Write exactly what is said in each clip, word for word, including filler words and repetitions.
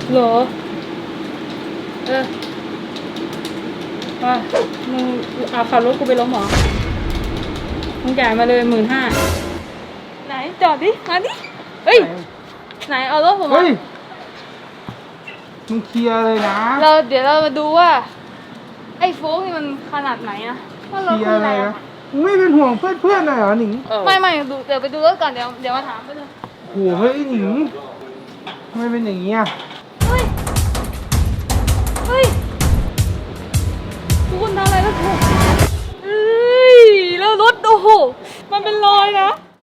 เหรอเออว่ามึงเอาขับรถกูไปล้มหรอมึงจ่ายมาเลยหมื่นห้าไหนจอดดิมาดิเฮ้ยไหนเอารถผมมามึงเคลียร์เลยนะเราเดี๋ยวเรามาดูว่าไอ้โฟกนี่มันขนาดไหนอะว่ารถคืออะไรอะมึงไม่เป็นห่วงเพื่อนๆหน่อยเหรอหนิงไม่ไม่ดูเดี๋ยวไปดูรถก่อนเดี๋ยวเดี๋ยวมาถามไปเลยโอ้โหเฮ้ยหนิงทำไมเป็นอย่างนี้อ่ะเฮ้ยเฮ้ยคุณทำอะไรแล้วถูกเฮ้ยแล้วรถโอ้โหมันเป็นรอยนะ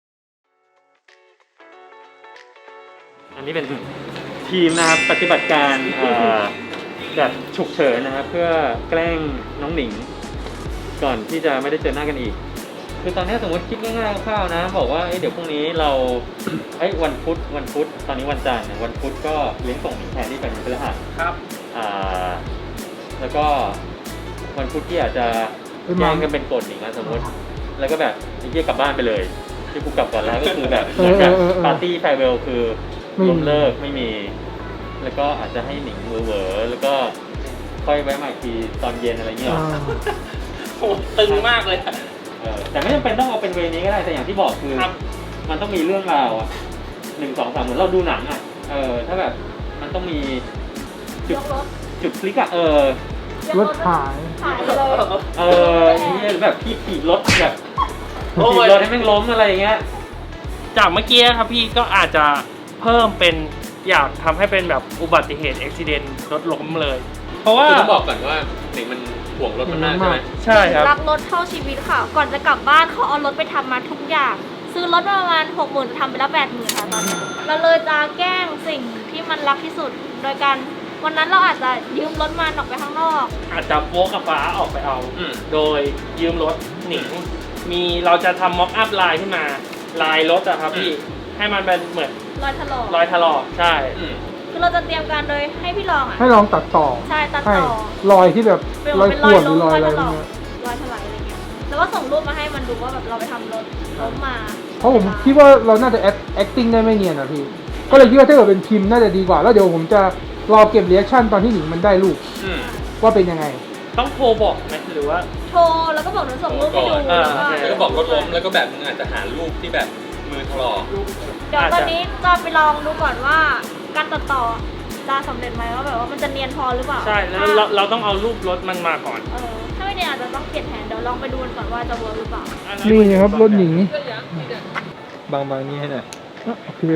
อันนี้เป็นทีมนะครับปฏิบัติการแบบฉุกเฉินนะครับเพื่อแกล้งน้องหนิงก่อนที่จะไม่ได้เจอหน้ากันอีกคือตอนนี้สมมติคิดง่ายๆคร่าวๆนะบอกว่าเดี๋ยวพรุ่งนี้เราไอ้วันพุธวันพุธตอนนี้วันจันทร์วันพุธก็เลี้ยงส่งหนิงแทนที่เป็นวันพฤหัสครับอ่าแล้วก็วันพุธที่อาจจะแย่งกันเป็นกฎหนิงนะสมมติแล้วก็แบบไอ้เหี้ยกลับบ้านไปเลยที่กูกลับก่อนแล้วก็คือแบบเหมือนแบบปาร์ตี้แฟร์เวลคือล้มเลิกไม่มีแล้วก็อาจจะให้หนิงเวอร์แล้วก็ค่อยไว้ใหม่ทีตอนเย็นอะไรเงี้ยโอ้ตึงมากเลยเออแต่ไม่จำเป็นต้องเอาเป็นเวนี้ก็ได้แต่อย่างที่บอกคือมันต้องมีเรื่องราวอ่ะหนึ่งสองสามเหมือนเราดูหนังอ่ะเออถ้าแบบมันต้องมีจุดจุดคลิกอ่ะเออรถหายเออนี่แบบพี่ขี่รถแบบขี่รถให้แม่งล้มอะไรเงี้ยจากเมื่อกี้ครับพี่ก็อาจจะเพิ่มเป็นอยากทำให้เป็นแบบอุบัติเหตุอุบิเหตุรถล้มเลยเพราะว่าต้องบอกก่อนว่าหนิงมันห่วงรถมันมากใช่ไหมใช่ครับรักรถเท่าชีวิตค่ะก่อนจะกลับบ้านเขาเอารถไปทำมาทุกอย่างซื้อรถมาประมาณหกหมื่นจะทำไปแล้วแปดหมื่นค่ะตอนนี้เราเลยจะแกล้งสิ่งที่มันรักที่สุดโดยการวันนั้นเราอาจจะยืมรถมันออกไปข้างนอกอาจจะโวกกับฟ้าออกไปเอาโดยยืมรถหนิงมีเราจะทำม็อกอัพลายขึ้นมาลายรถอะครับพี่ให้มันเป็นเหมือนรอยถลอกรอยถลอกใช่คือเราจะเตรียมการโดยให้พี่ลองอ่ะให้ลองตัดต่อใช่ตัดต่อรอยที่แบบรอยข่วนหรือรอยอะไรเงี้ยรอยถลายอะไรเงี้ยแล้วก็ส่งรูปมาให้มันดูว่าแบบเราไปทำรถล้มมาเพราะผมคิดว่าเราน่าจะ acting ได้ไม่เนียนนะพี่ก็เลยคิดว่าถ้าเกิดเป็นพิมพ์น่าจะดีกว่าแล้วเดี๋ยวผมจะรอเก็บเรีแอคชั่นตอนที่หนิงมันได้รูปว่าเป็นยังไงต้องโทรบอกไหมหรือว่าโทรแล้วก็บอกหนูส่งรูปไปดูแล้วก็บอกรถล้มแล้วก็แบบมึงอาจจะหารูปที่แบบมือถลอกเดี๋ยวตอนนี้จะไปลองดูก่อนว่าการตัดต่อจะสำเร็จไหมว่าแบบว่ามันจะเนียนพอหรือเปล่าใช่แล้วเราเราต้องเอารูปรถมันมาก่อนเออถ้าไม่เนียนอาจจะต้องเปลี่ยนแผนเดี๋ยวลองไปดูกันก่อนว่าจะเวิร์กหรือเปล่านี่ครับรถหนิงบางบางนี้ให้หน่อยโอเค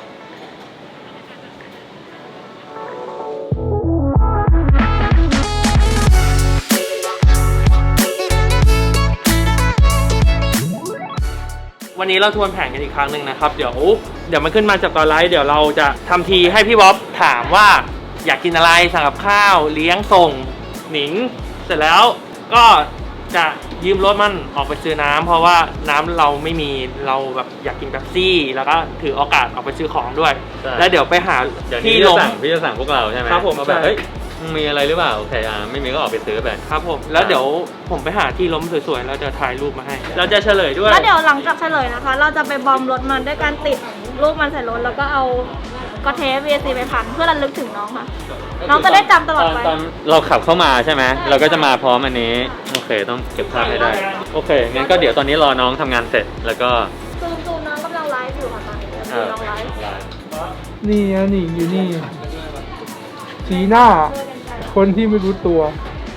วันนี้เราทวนแผนกันอีกครั้งหนึ่งนะครับเดี๋ยวเดี๋ยวมันขึ้นมาจากตอนไลฟ์เดี๋ยวเราจะทำทีให้พี่บ๊อบถามว่าอยากกินอะไรสั่งกับข้าวเลี้ยงส่งหนิงเสร็จแล้วก็จะยืมรถมันออกไปซื้อน้ำเพราะว่าน้ำเราไม่มีเราแบบอยากกินเป๊ปซี่แล้วก็ถือโอกาสออกไปซื้อของด้วยแล้วเดี๋ยวไปหาที่ลงพี่จะสั่งพวกเราใช่ไหมครับผมแบบเฮ้ยมีอะไรหรือเปล่าโอเคอ่ะไม่มีก็ออกไปซื้อไปครับผมแล้วเดี๋ยวผมไปหาที่ล้มสวยๆแล้วจะถ่ายรูปมาให้เราจะเฉลยด้วยแล้วเดี๋ยวหลังจากเฉลยนะคะเราจะไปบอมรถมันด้วยการติดรูปมันใส่รถแล้วก็เอากระเทป วี เอ ซี ไปพันเพื่อระลึกถึงน้องค่ะน้องจะได้จำตลอดไปตอนเราขับเข้ามาใช่ไหมเราก็จะมาพร้อมอันนี้โอเคต้องเก็บภาพให้ได้โอเคงั้นก็เดี๋ยวตอนนี้รอน้องทำงานเสร็จแล้วก็ซูมซูมน้องกำลังไลฟ์อยู่ค่ะตอนนี้น้องไลฟ์นี่นะนี่อยู่นี่สีหน้าคนที่ไม่รู้ตัว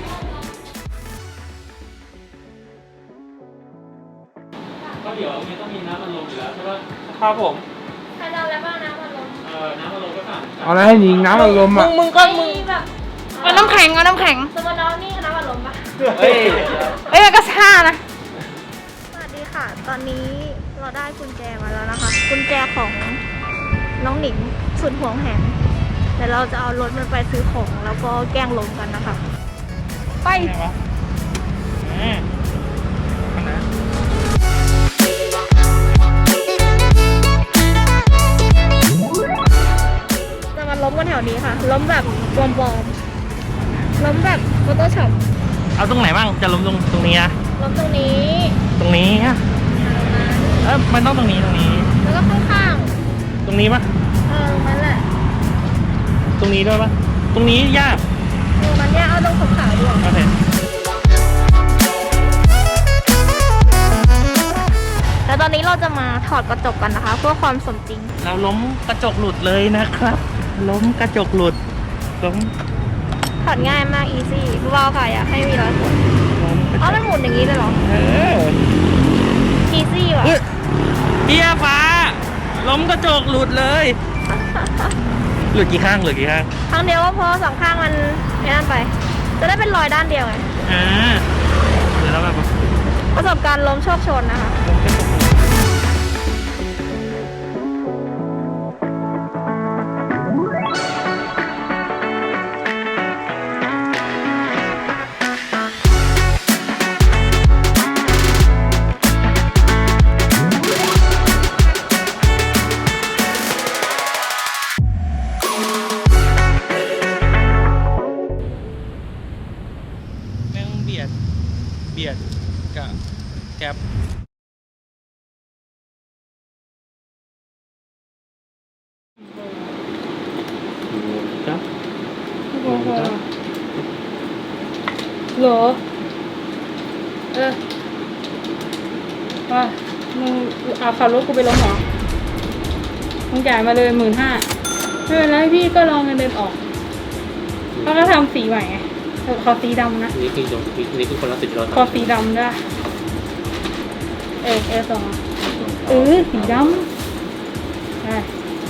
ก็เดี๋ยวมีต้องมีน้ำมันลมอยู่แล้วใช่ป่ะครับผมใครจะแล้วบ้างน้ำมันลมเออน้ำมันลมก็สั่งเอาอะไรให้หนิงน้ำมันลมอ่ะมึงมึงก็มึงแบบเอาน้ำแข็งเอาน้ำแข็งสมมติน้องนี่น้ำมันลมปะเฮ้ยเอ้ยก็ซ่านะสวัสดีค่ะตอนนี้เราได้กุญแจมาแล้วนะคะกุญแจของน้องหนิงสุดห่วงแหนเดี๋ยวเราจะเอารถมันไปซื้อของแล้วก็แกล้งลงกันนะคะไปจะมาล้มกันแถวนี้ค่ะล้มแบบปลอมๆล้มแบบโฟโต้ช็อปเอาตรงไหนบ้างจะล้มตรงตรงนี้นะล้มตรงนี้ตรงนี้ฮะเออมันต้องตรงนี้ตรงนี้แล้วก็ข้างๆตรงนี้ปะเออมันแหละตรงนี้ด้วยปะตรงนี้ยากดูมันเนี่ยเอาตรงขาวๆดีกว่าโอเคแล้วตอนนี้เราจะมาถอดกระจกกันนะคะ เพื่อความสมจริงเราล้มกระจกหลุดเลยนะครับ ล้มกระจกหลุดล้มถอดง่ายมาก อีซี่เบาๆค่ะอยากให้มีรอยขนล้มกระจอ๋อก มันหมุนอย่างนี้เลยเหรอเอออีซี่ว่ะเฮ้ยเบียร์ฟ้า ล้มกระจกหลุดเลย หลุดกี่ข้างหลุดกี่ข้างครั้งเดียวก็พอสองข้างมันไอ้นั่นไป จะได้เป็นรอยด้านเดียวไงอ่าเดี๋ยวเราแบบประสบการณ์ล้มโชคชนนะคะล้มกระจกหลุด แม่งเบียด เบียดกับแก๊ปครับเหรอเออว่ามึงเอาขับรถกูไปลงเหรอมึงจ่ายมาเลยหมื่นห้าไม่เป็นไรพี่ก็ลองเงินเดือนออกเขาก็ทำสีใหม่ไงขอสีดำนะนี่คือนี่คือคนละสิบเราขอสีดำด้วยเออเออสองเออสีดำใช่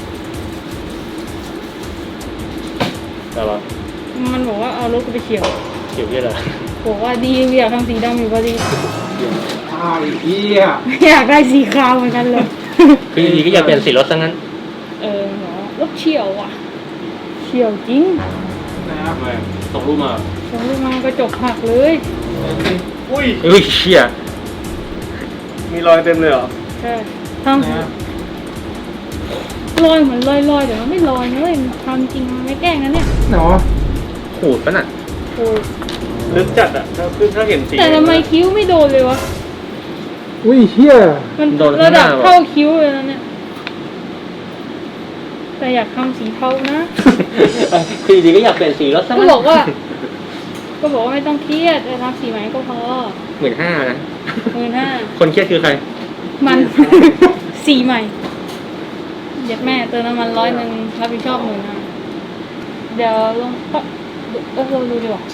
แต่ว่ามันบอกว่าเอารถกูไปเฉี่ยวเกี่ยวกับอะไรบอกว่าดีอยากทำสีดำอยู่พอดีไอ้เหี้ยอยากได้สีขาวเหมือนกันเลยคือดีก็อยากเปลี่ยนสีรถซะงั้นเออหรอรถเฉี่ยวอ่ะเฉี่ยวจริงนะครับส่งรูปมาส่งลูกมากระจกหักเลยอุ้ยเฮ้ยเชี่ยมีรอยเต็มเลยเหรอใช่ทำลอยเหมือนลอยลอยๆแต่มันไม่ลอยนะเว้ยทำจริงไม่แกล้งนะเนี่ยเนาะขูดปะน่ะโอ้ยลึกจัดอ่ะถ้าคือถ้าเห็นสีแต่ทำไมคิ้วไม่โดนเลยวะอุ้ยเหี้ยมันโดนระข้างหดัน้าบวะเท่าคิ้วเลยนะเนี่ยแต่อยากทำสีเทานะคือดีก็อยากเปลี่ยนสีรถซะก็งั้นบอกว่า ก็บอกว่าไม่ต้องเครียดไปทำสีใหม่ก็พอหมื่นห้านะหมื่นห้าคนเครียดคือใครมัน สีใหม่เดี๋ยวแม่เติมน้ำมันร้อยหนึ่งรับผิดชอบหมื่นห้าเดี๋ยวลงก็เออลองดูดีกว่า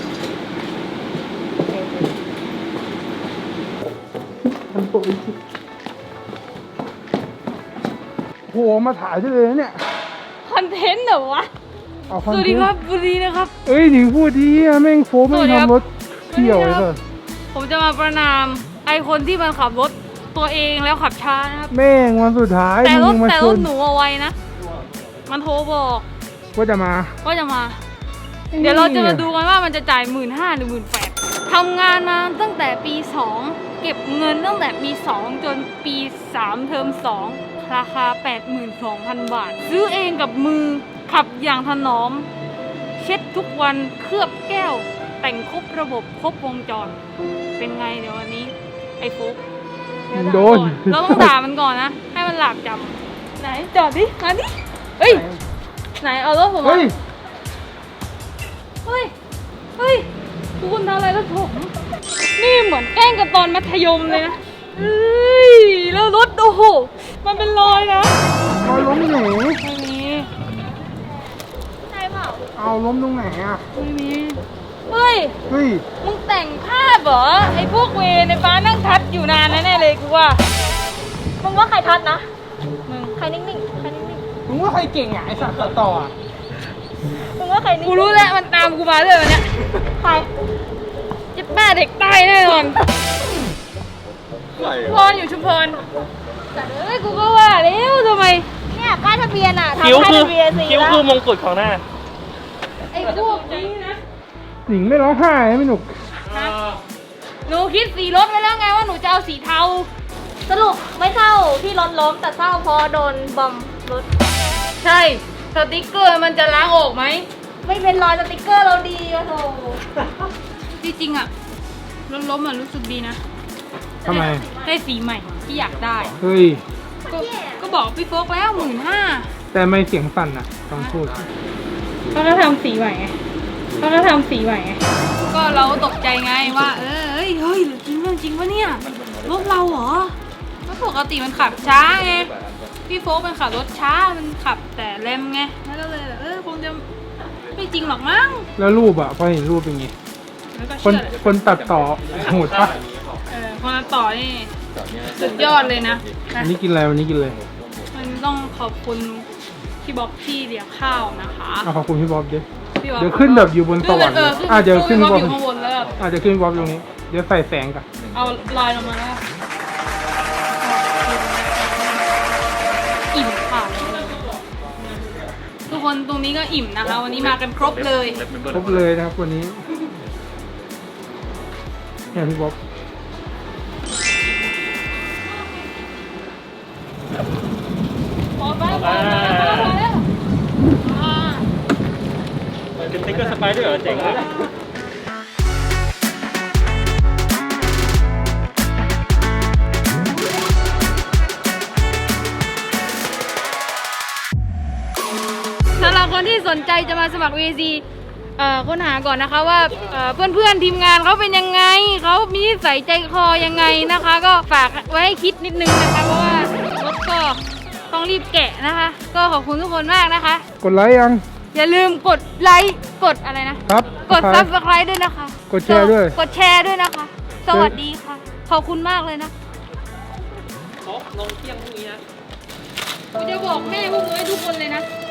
โหมาถ่ายได้เลยนะเนี่ยคอนเทนต์เหรอวะเอาสวัสดีครับบุรีนะครับเอ้ยหนิงพูดดีอะแม่งโฟมแม่งสวัสดีครับทำรถเที่ยวเลยเถอะผมจะมาประนามไอคนที่มันขับรถตัวเองแล้วขับช้านะครับแม่งวันสุดท้ายแต่รถมึงมาแต่ชรนถหนูเอาไว้นะ มันโทรบอกว่าจะมาว่าจะมา เดี๋ยวเราจะมาดูกันว่ามันจะจ่ายหมื่นห้าหรือหมื่นแปดทำงานมาตั้งแต่ปีสองเก็บเงินตั้งแต่ปีสองจนปีสามเทอมสองราคา แปดหมื่นสองพัน บาท ซื้อเองกับมือขับอย่างถนอม เช็ดทุกวันเคลือบแก้ว แต่งครบระบบครบวงจร เป็นไงเดี๋ยววันนี้ ไอ้ฟุกมึงโดนเราต้องด่ามันก่อนนะ ให้มันหลาบจำไหนจอดดิมาดิเฮ้ย ไหนเอารถผมมาเฮ้ยเฮ้ย เฮ้ยคุณทำอะไรรถผม นี่เหมือนแกล้งกันตอนมัธยมเลยนะ เฮ้ย แล้วรถโอ้โห มันเป็นรอยนะเอาล้มไหนไม่มีใช่เปล่าเอาล้มตรงไหนอ่ะไม่มี เฮ้ยเฮ้ยมึงแต่งภาพเหรอ ไอ้พวกเวรในฟ้านั่งทัดอยู่นานแน่ๆเลยกูว่ามึงว่าใครทัดนะมึงใครนิ่งๆ ใครนิ่งมึงว่าใครเก่งอ่ะไอ้สัตว์ตัดต่ออ่ะๆ มึงว่าใครนิ่งกูรู้แล้วมันตามกูมาเลยวันเนี้ยใครเจ็บแม่เด็กใต้แน่นอนพรอยู่ชุมพรแต่เอ้ยกูก็ว่าแล้วทำไมเนี่ยป้ายทะเบียนอ่ะทำคิ้วป้ายคือทะเบียนสีคิ้วแล้วคือมงกุฎของหน้าไอ้พวกนี้นะหนิงไม่ร้องไห้ไม่หนุกหนูคิดสีรถไว้แล้วไงว่าหนูจะเอาสีเทาสรุปไม่เศร้าที่รถล้มแต่เศร้าเพราะโดนบอมรถใช่ สติกเกอร์มันจะล้างออกไหมไม่เป็นรอยสติกเกอร์เราดีอะโถที่จริงอะรถล้มอะรู้สึกดีนะทำไมได้สีใหม่ที่อยากได้เฮ้ยก็ก็บอกพี่โฟกแล้วหมื่นห้าแต่ไม่เสียงสั่นอ่ะต้องพูดเขาก็ทำสีใหม่ไงเขาก็ทำสีใหม่ไงก็เราตกใจไงว่า เออเฮ้ยเฮ้ยจริงเรื่องจริงวะเนี่ยรถเราเหรอก็ปกติมันขับช้าไงพี่โฟกมันขับรถช้ามันขับแต่แรมไงแล้วก็เลยแบบเออคงจะไม่จริงหรอกมั้งแล้วรูปอะพอเห็นรูปเป็นไงแล้วก็คนเชื่อแหละคนตัดต่อโหดปะเออคนต่อนี่สุดยอดเลยนะนะวันนี้กินอะไรวันนี้กินอะไรมันต้องขอบคุณพี่บ๊อบที่เลี้ยงข้าวนะคะเอาขอบคุณพี่บ๊อบดิพี่บ๊อบเดี๋ยวขึ้นแบบอยู่บนสวรรค์เอเลอย ขึ้นอ่ะเดี๋ยวขึ้นพี่บ๊บ๊ออบบ อยู่ข้างบนแล้วแบบอาจจะขึ้นบ๊อบตรงนี้ เดี๋ยวใส่แสงกันเอาลอยลงมาแล้วอิ่มค่ะทุกคนตรงนี้ก็อิ่มนะคะ วันนี้มากันครบเลยครบเลยนะครับวันนี้เนี่ยพี่บ๊อบพอไปพอแล้วพอแล้วอ่าเป็นสติ๊กเกอร์สไปด้วยเหรอเจ๋งเลยสำหรับคนที่สนใจจะมาสมัคร วี ซี เอ่อค้นหาก่อนนะคะว่าเอ่อเพื่อนๆทีมงานเขาเป็นยังไงเขามีนิสัยใจคอยังไงนะคะ ก็ฝากไว้ให้คิดนิดนึงนะคะเพราะว่ารถก็ต้องรีบแกะนะคะ ก็ขอบคุณทุกคนมากนะคะกดไลค์ยังอย่าลืมกดไลค์กดอะไรนะครับ กดครับซับสไครต์ด้วยนะคะกดแชร์ด้วยกดแชร์ด้วยนะคะ สวัสดีค่ะ ขอบคุณมากเลยนะลงเที่ยงพรุ่งนี้นะกูจะบอกแม่พวกมึงให้ทุกคนเลยนะ